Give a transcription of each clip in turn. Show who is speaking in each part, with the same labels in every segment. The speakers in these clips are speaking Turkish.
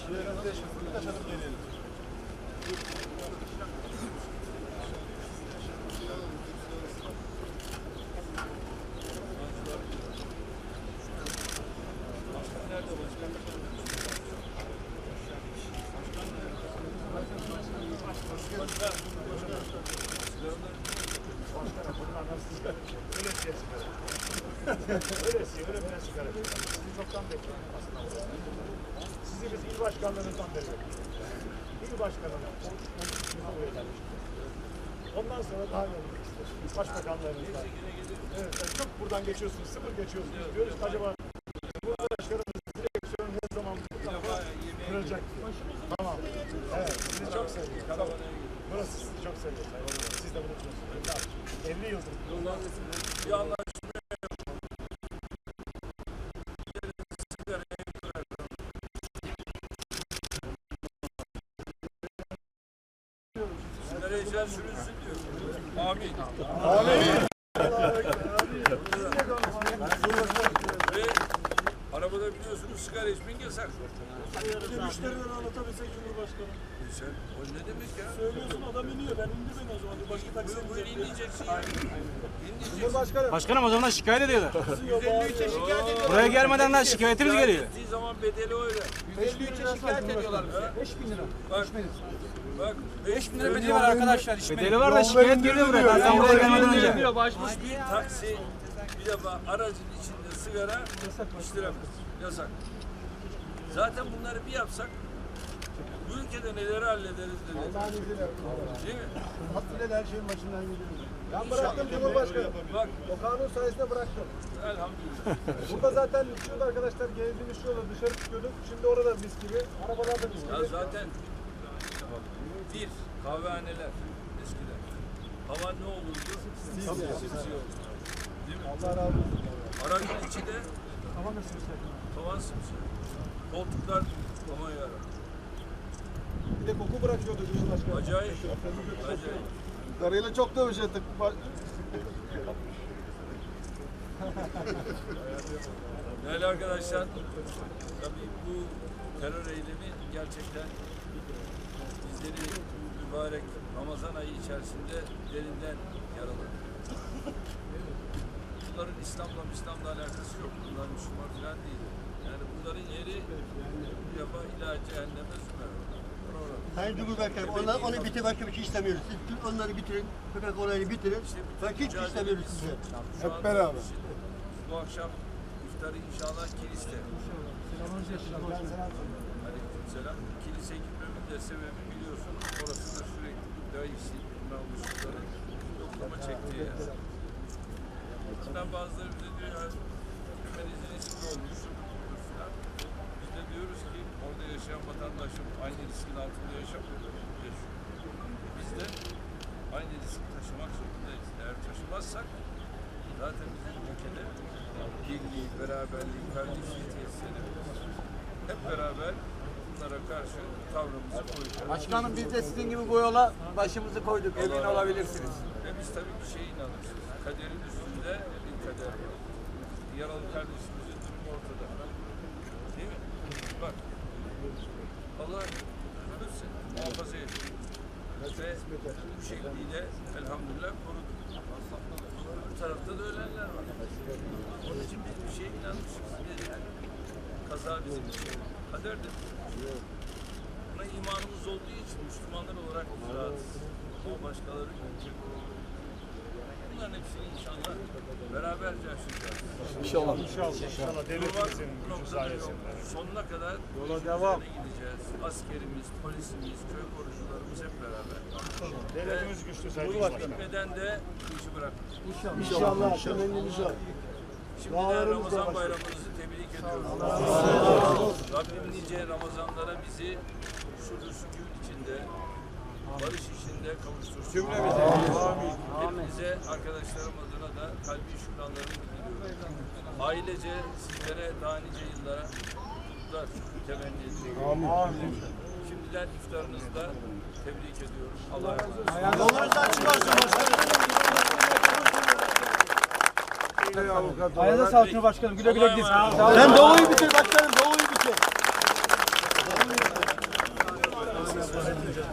Speaker 1: Birkaç adım gelelim. Öyle biraz sigara. Sizi çoktan bekliyorum aslında. Sizi biz il başkanlarımızdan bekliyoruz. İl başkanına buraya gelmiştik. Ondan sonra daha yolculuk istiyoruz. Başbakanlarımızdan. Evet, çok buradan geçiyorsunuz, sıfır geçiyorsunuz diyoruz. Acaba Cumhurbaşkanımız direksiyonu ne zaman kırılacak? Tamam. Evet, sizi çok seviyoruz. Burası sizi çok seviyor. Siz de bunu biliyorsunuz. 50 yıldır.
Speaker 2: Bir anlaşma sigara içen sürünsün diyor. Amin.
Speaker 1: Amin.
Speaker 2: Ve arabada biliyorsunuz sigara içmek yasak.
Speaker 3: Müşteriden anlatabilsek Cumhurbaşkanı.
Speaker 2: Sen o ne demek ya?
Speaker 3: Söylüyorsun adam iniyor. Ben indirmem o zaman. Başka taksi
Speaker 2: Buyur inleyeceksin ya. İnleyeceksin.
Speaker 1: Cumhurbaşkanım.
Speaker 4: Başkanım o zaman şikayet ediyorlar.
Speaker 1: 153'e şikayet ediyorlar.
Speaker 4: Buraya gelmeden daha şikayetimiz geliyor.
Speaker 2: Ettiği zaman bedeli öyle.
Speaker 1: 153'e şikayet ediyorlar bize. 5000 lira.
Speaker 2: Bak
Speaker 4: 5.000 lira bedeli var arkadaşlar. Bedeli var da şikayet geliyor buraya. Ben buraya gelmeden önce.
Speaker 2: bir taksi bir defa aracın içinde sigara içtiremez. Yasak. Zaten bunları bir yapsak bu ülkede neleri hallederiz dedi. Değil mi?
Speaker 1: Hakkıyla her şeyin başından gidiyoruz. Ben bıraktım Cumhurbaşkanım.
Speaker 2: Bak
Speaker 1: O kanun sayesinde bıraktım.
Speaker 2: elhamdülillah.
Speaker 1: Burada zaten içiyordu arkadaşlar. Gezdiğimiz yolda dışarı çıkıyorduk. Şimdi orada mis gibi. Arabalar da mis
Speaker 2: Ya
Speaker 1: gibi.
Speaker 2: zaten bir kahvehaneler eskiden. Hava ne olurdu? Simsiyah olurdu. Değil mi?
Speaker 1: Allah razı olsun.
Speaker 2: Aracın içi de tavan simsiyah. Koltuklar aman yarabbim.
Speaker 1: Bir de koku bırakıyordu Cumhurbaşkanı.
Speaker 2: Acayip. Acayip.
Speaker 1: Karıyla çok dövüş ettik.
Speaker 2: Değerli arkadaşlar, tabii bu terör eylemi gerçekten bizleri mübarek Ramazan ayı içerisinde derinden yaraladı. Bunların İslam'la alakası yok. Bunlar Müslüman falan değil. Yani bunların yeri bir defa ilahi cehenneme sümer.
Speaker 5: Sayın Cumhurbaşkanım, onu bitir, başka bir şey istemiyoruz. Siz onları bitirin, köpek olayını bitirin. Hiç istemiyoruz size.
Speaker 1: Hep beraber.
Speaker 2: Bu akşam iftarı inşallah kiliste. Aleykümselam. Kilise gitmemin de sebebi biliyorsunuz. Orası da sürekli daifsi, namusluları yoklama çektiği yer. Bundan bazıları bize diyor ya, Ömer'in riskli olmuş. Biz de diyoruz ki orada yaşayan vatandaşım aynı riskin altında yaşamıyor. Biz de aynı riski taşımak zorundayız. Eğer taşımazsak zaten bizim ülkede birliği, beraberliği, kardeşliği tesis edebiliriz. Hep beraber bunlara karşı tavrımızı koyacağız.
Speaker 6: Başkanım biz de sizin gibi bu yola başımızı koyduk. Emin olabilirsiniz.
Speaker 2: Ve biz tabii bir şeye inanırız. Kaderin üstünde bir kader var. Yaralı kardeşimizin durumu ortada. Değil mi? Bak. Allah ölürse muhafaza ediyor. Ve bu şekliyle elhamdülillah korudu. Bu tarafta da ölenler var. Onun için biz bir şeye inanmışız. Yani kaza bizim için kaderdir. Buna imanımız olduğu için Müslümanlar olarak biz rahatız. Ama başkaları yok. Bunların hepsini inşallah beraberce aşacağız.
Speaker 1: İnşallah. İnşallah. Devletimizin gücü sayesinde.
Speaker 2: Sonuna kadar yola devam gideceğiz. Askerimiz, polisimiz, köy korucularımız hep beraber.
Speaker 1: Devletimiz güçlü Sayın
Speaker 2: Bu
Speaker 1: Cumhurbaşkanım.
Speaker 2: bitmeden de bu işi bırakmayacağız.
Speaker 1: İnşallah. Temennimiz var.
Speaker 2: Şimdiden Ramazan bayramınızı tebrik ediyorum. Rabbim nice Ramazanlara bizi huzur sükûn içinde, barış içinde kavuştursun. Cümlemize. Hepinize, arkadaşlarım adına da kalbi şükranlarımı diliyorum. Ailece sizlere daha nice yıllara mutluluklar temenni ediyorum. Şimdiden iftarınızda tebrik ediyorum. Allah'a emanet olun.
Speaker 1: Yolunuz açık olsun başkanım.
Speaker 4: Ayağınıza sağlık Cumhurbaşkanım. Güle güle gidin.
Speaker 5: Sen doğuyu bitir başkanım, doğuyu bitir.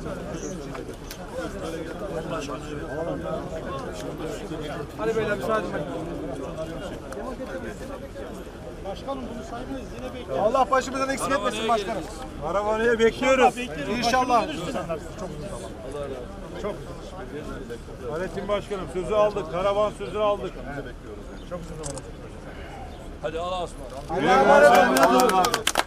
Speaker 4: Hadi beyler müsaade edin.
Speaker 3: Başkanım bunu saymayız yine bekliyoruz.
Speaker 4: Allah başımızdan eksik etmesin başkanım.
Speaker 3: Karavanıya bekliyoruz.
Speaker 4: İnşallah.
Speaker 3: Fahrettin Başkanım sözü aldık. Karavan sözü aldık.
Speaker 2: Hadi Allah'a ısmarladık.
Speaker 4: Allah'a emanet olun.